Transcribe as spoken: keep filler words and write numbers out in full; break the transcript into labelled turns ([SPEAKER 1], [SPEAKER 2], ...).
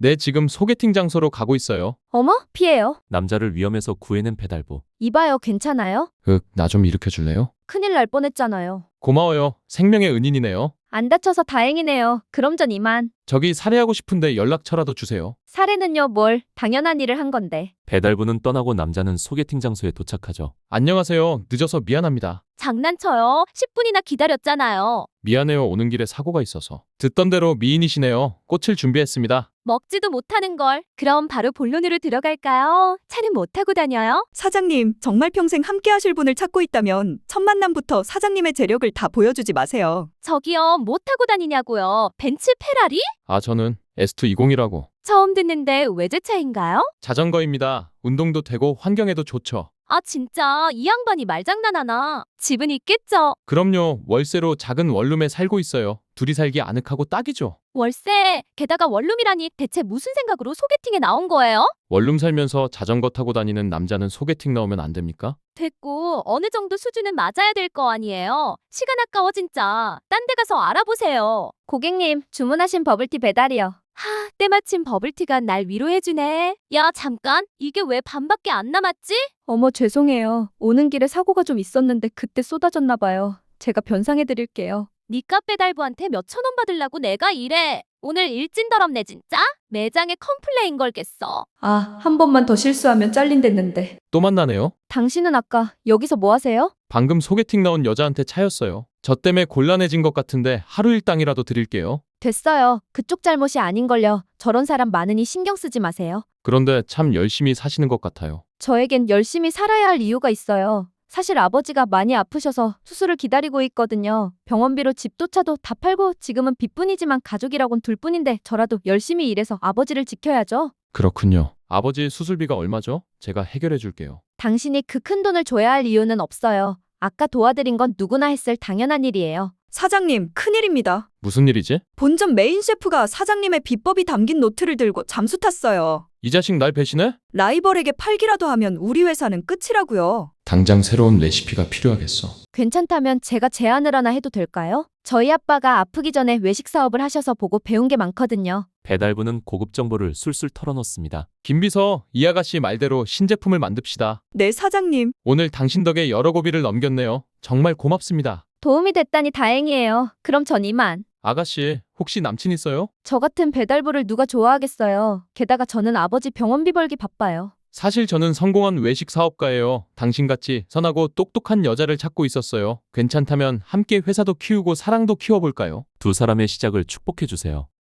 [SPEAKER 1] 네, 지금 소개팅 장소로 가고 있어요.
[SPEAKER 2] 어머, 피해요.
[SPEAKER 3] 남자를 위험에서 구해낸 배달부.
[SPEAKER 2] 이봐요, 괜찮아요?
[SPEAKER 1] 윽, 나 좀 일으켜 줄래요?
[SPEAKER 2] 큰일 날 뻔했잖아요.
[SPEAKER 1] 고마워요. 생명의 은인이네요.
[SPEAKER 2] 안 다쳐서 다행이네요. 그럼 전 이만.
[SPEAKER 1] 저기 살해하고 싶은데 연락처라도 주세요.
[SPEAKER 2] 살해는요, 뭘. 당연한 일을 한 건데.
[SPEAKER 3] 배달부는 떠나고 남자는 소개팅 장소에 도착하죠.
[SPEAKER 1] 안녕하세요. 늦어서 미안합니다.
[SPEAKER 2] 장난쳐요. 십 분이나 기다렸잖아요.
[SPEAKER 1] 미안해요. 오는 길에 사고가 있어서. 듣던 대로 미인이시네요. 꽃을 준비했습니다.
[SPEAKER 2] 먹지도 못하는 걸. 그럼 바로 본론으로 들어갈까요? 차는 못 타고 다녀요?
[SPEAKER 4] 사장님, 정말 평생 함께 하실 분을 찾고 있다면 첫 만남부터 사장님의 재력을 다 보여주지 마세요.
[SPEAKER 2] 저기요, 못 타고 다니냐고요. 벤츠 페라리?
[SPEAKER 1] 아, 저는 에스투 이십이라고.
[SPEAKER 2] 처음 듣는데 외제차인가요?
[SPEAKER 1] 자전거입니다. 운동도 되고 환경에도 좋죠.
[SPEAKER 2] 아, 진짜 이 양반이 말장난하나? 집은 있겠죠?
[SPEAKER 1] 그럼요. 월세로 작은 원룸에 살고 있어요. 둘이 살기 아늑하고 딱이죠.
[SPEAKER 2] 월세, 게다가 원룸이라니 대체 무슨 생각으로 소개팅에 나온 거예요?
[SPEAKER 1] 원룸 살면서 자전거 타고 다니는 남자는 소개팅 나오면 안 됩니까?
[SPEAKER 2] 됐고, 어느 정도 수준은 맞아야 될 거 아니에요? 시간 아까워 진짜. 딴 데 가서 알아보세요. 고객님, 주문하신 버블티 배달이요. 하, 때마침 버블티가 날 위로해주네. 야, 잠깐. 이게 왜 반밖에 안 남았지? 어머, 죄송해요. 오는 길에 사고가 좀 있었는데 그때 쏟아졌나 봐요. 제가 변상해드릴게요. 니값 배달부한테 몇천 원 받으려고 내가 이래. 오늘 일진 더럽네 진짜? 매장에 컴플레인 걸겠어. 아, 한 번만 더 실수하면 잘린댔는데.
[SPEAKER 1] 또 만나네요.
[SPEAKER 2] 당신은 아까 여기서 뭐 하세요?
[SPEAKER 1] 방금 소개팅 나온 여자한테 차였어요. 저 때문에 곤란해진 것 같은데 하루 일당이라도 드릴게요.
[SPEAKER 2] 됐어요. 그쪽 잘못이 아닌걸요. 저런 사람 많으니 신경 쓰지 마세요.
[SPEAKER 1] 그런데 참 열심히 사시는 것 같아요.
[SPEAKER 2] 저에겐 열심히 살아야 할 이유가 있어요. 사실 아버지가 많이 아프셔서 수술을 기다리고 있거든요. 병원비로 집도 차도 다 팔고 지금은 빚뿐이지만 가족이라곤 둘뿐인데 저라도 열심히 일해서 아버지를 지켜야죠.
[SPEAKER 1] 그렇군요. 아버지 수술비가 얼마죠? 제가 해결해 줄게요.
[SPEAKER 2] 당신이 그 큰 돈을 줘야 할 이유는 없어요. 아까 도와드린 건 누구나 했을 당연한 일이에요.
[SPEAKER 4] 사장님, 큰일입니다.
[SPEAKER 1] 무슨 일이지?
[SPEAKER 4] 본점 메인 셰프가 사장님의 비법이 담긴 노트를 들고 잠수 탔어요.
[SPEAKER 1] 이 자식 날 배신해?
[SPEAKER 4] 라이벌에게 팔기라도 하면 우리 회사는 끝이라고요.
[SPEAKER 1] 당장 새로운 레시피가 필요하겠어.
[SPEAKER 2] 괜찮다면 제가 제안을 하나 해도 될까요? 저희 아빠가 아프기 전에 외식 사업을 하셔서 보고 배운 게 많거든요.
[SPEAKER 3] 배달부는 고급 정보를 술술 털어놓습니다.
[SPEAKER 1] 김비서, 이 아가씨 말대로 신제품을 만듭시다.
[SPEAKER 4] 네, 사장님.
[SPEAKER 1] 오늘 당신 덕에 여러 고비를 넘겼네요. 정말 고맙습니다.
[SPEAKER 2] 도움이 됐다니 다행이에요. 그럼 전 이만.
[SPEAKER 1] 아가씨, 혹시 남친 있어요?
[SPEAKER 2] 저 같은 배달부를 누가 좋아하겠어요. 게다가 저는 아버지 병원비 벌기 바빠요.
[SPEAKER 1] 사실 저는 성공한 외식 사업가예요. 당신같이 선하고 똑똑한 여자를 찾고 있었어요. 괜찮다면 함께 회사도 키우고 사랑도 키워볼까요?
[SPEAKER 3] 두 사람의 시작을 축복해주세요.